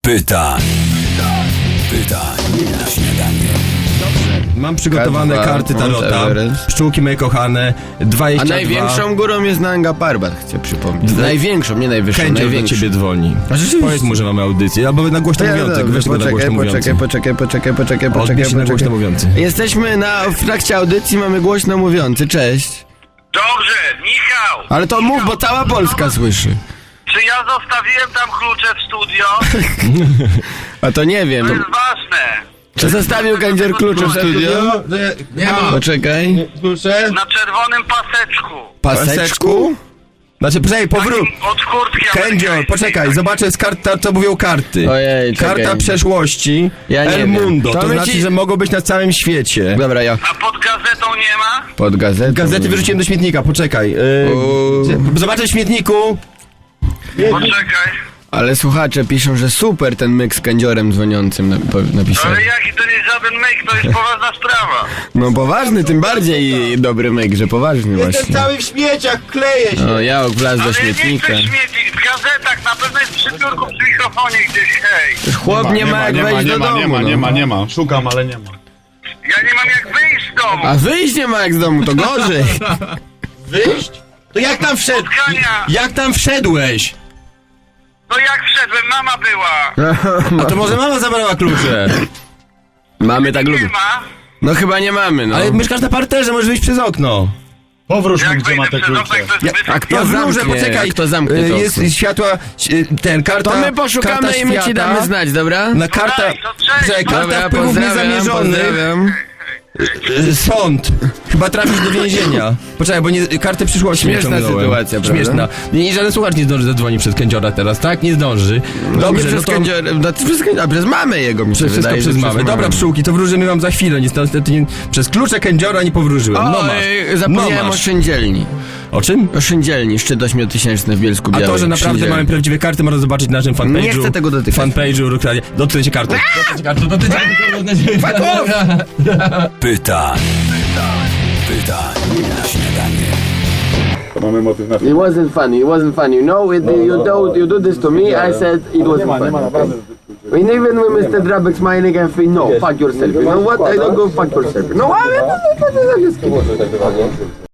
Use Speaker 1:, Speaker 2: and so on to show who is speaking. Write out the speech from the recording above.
Speaker 1: Pytań na śniadanie.
Speaker 2: Mam przygotowane
Speaker 3: K2,
Speaker 2: karty
Speaker 3: Mount
Speaker 2: tarota.
Speaker 3: Everest.
Speaker 2: Pszczółki moje kochane. 22.
Speaker 3: A największą górą jest Nanga Parbat, chcę przypomnieć. Największą, nie najwyższą,
Speaker 2: Kędzior do
Speaker 3: największą.
Speaker 2: ciebie dzwoni.
Speaker 3: A rzeczywiście.
Speaker 2: Powiedz mu, że mamy audycję. Albo na głośno mówiący. Weź go na głośno mówiący. Odbierz się na głośno mówiący.
Speaker 3: Jesteśmy w trakcie audycji, mamy głośno mówiący, cześć.
Speaker 4: Dobrze, Michał!
Speaker 3: Ale to mów, bo cała Polska słyszy.
Speaker 4: Czy ja zostawiłem tam klucze w studio?
Speaker 3: A to nie wiem.
Speaker 4: To jest ważne.
Speaker 3: Czy zostawił Kędzior klucze w studio?
Speaker 2: Nie ma.
Speaker 3: Poczekaj.
Speaker 2: Klucze?
Speaker 4: Na czerwonym paseczku.
Speaker 3: Paseczku?
Speaker 2: Znaczy, poczekaj, powrót.
Speaker 4: Takim od kurtki
Speaker 2: Kędzior,
Speaker 4: amerykańskiej.
Speaker 2: poczekaj, zobaczę z kart, co mówią karty.
Speaker 3: Ojej, czekaj.
Speaker 2: Karta przeszłości,
Speaker 3: Ja nie
Speaker 2: El
Speaker 3: wiem.
Speaker 2: Mundo,
Speaker 3: To
Speaker 2: to
Speaker 3: my
Speaker 2: znaczy,
Speaker 3: ci-
Speaker 2: że mogą być na całym świecie.
Speaker 3: Dobra, ja.
Speaker 4: A pod gazetą nie ma?
Speaker 3: Pod gazetą.
Speaker 2: Gazety wyrzuciłem do śmietnika, poczekaj. Zobaczę w śmietniku.
Speaker 4: Poczekaj.
Speaker 3: Ale słuchacze piszą, że super ten myk z Kędziorem dzwoniącym napisał.
Speaker 4: Ale jaki to nie jest żaden myk, to jest poważna sprawa.
Speaker 3: No poważny, tym bardziej dobry myk, że poważny właśnie.
Speaker 2: w śmieciach, kleję się.
Speaker 3: O, ja wlazł do
Speaker 4: Ale nie
Speaker 3: śmietnika.
Speaker 4: chcę śmieci, w gazetach, na pewno jest przy biurku, przy mikrofonie gdzieś, hej.
Speaker 3: Chłop nie ma jak wejść do domu. no.
Speaker 5: nie ma. Szukam, ale nie ma.
Speaker 4: Ja nie mam jak wyjść z domu.
Speaker 3: A wyjść nie ma jak z domu, to gorzej.
Speaker 2: Wyjść? To jak tam wszedł?
Speaker 4: Spotkania.
Speaker 2: Jak tam wszedłeś?
Speaker 4: No jak wszedłem, mama była.
Speaker 2: A to może mama zabrała klucze.
Speaker 3: Mamy tak
Speaker 4: Nie
Speaker 3: lubię.
Speaker 4: ma.
Speaker 3: No chyba nie mamy, no.
Speaker 2: Ale mieszkasz na parterze, możesz wyjść przez okno.
Speaker 5: Powróż mi,
Speaker 4: Jak
Speaker 5: gdzie ma
Speaker 4: wejdę
Speaker 5: te
Speaker 4: przez okno,
Speaker 5: klucze.
Speaker 4: jak to jest zbyt...
Speaker 3: A kto
Speaker 2: Ja wróżę,
Speaker 3: zamknie?
Speaker 2: poczekaj.
Speaker 3: A kto zamknie to
Speaker 2: Jest
Speaker 3: okno?
Speaker 2: światła, karta.
Speaker 3: To my poszukamy
Speaker 2: karta
Speaker 3: i my ci
Speaker 2: świata.
Speaker 3: damy znać, dobra?
Speaker 2: Na karta,
Speaker 4: daj, to cześć.
Speaker 2: czekaj, karta
Speaker 3: Dobra,
Speaker 2: wpływów
Speaker 3: pozdrawiam,
Speaker 2: niezamierzonych.
Speaker 3: pozdrawiam.
Speaker 2: Sąd. Chyba trafisz do więzienia. Poczekaj, bo kartę przyszłości
Speaker 3: Śmieszna
Speaker 2: wyciągnąłem.
Speaker 3: sytuacja, prawda?
Speaker 2: Śmieszna. I żaden słuchacz nie zdąży zadzwonić przez Kędziora teraz, tak? Nie zdąży. Dobrze,
Speaker 3: przez
Speaker 2: no to...
Speaker 3: Kędzior, a przez mamę jego mi się
Speaker 2: Wszystko
Speaker 3: wydaje,
Speaker 2: przez
Speaker 3: że
Speaker 2: mamę. Dobra, pszczółki, to wróżymy wam za chwilę. Niestety przez klucze Kędziora nie powróżyłem. No
Speaker 3: O,
Speaker 2: masz.
Speaker 3: zapomniałem
Speaker 2: no
Speaker 3: o
Speaker 2: masz.
Speaker 3: szyndzielni.
Speaker 2: O czym?
Speaker 3: O szyndzielni, szczyt 8000 w Bielsku
Speaker 2: A
Speaker 3: Białej.
Speaker 2: to, że naprawdę
Speaker 3: Szyndzielni.
Speaker 2: mamy prawdziwe karty, można zobaczyć na naszym fanpage'u.
Speaker 3: Nie chcę tego dotykać.
Speaker 2: Fanpage'u, dotknijcie kartą. Dotknijcie kartą.
Speaker 1: Pytań na śniadanie.
Speaker 3: It wasn't funny, it wasn't funny. You know, you do this to me, I said it wasn't funny. And even when Mr. Drabek smiling and saying, no, fuck yourself. You know what? I don't go fuck yourself. No, I'm just kidding.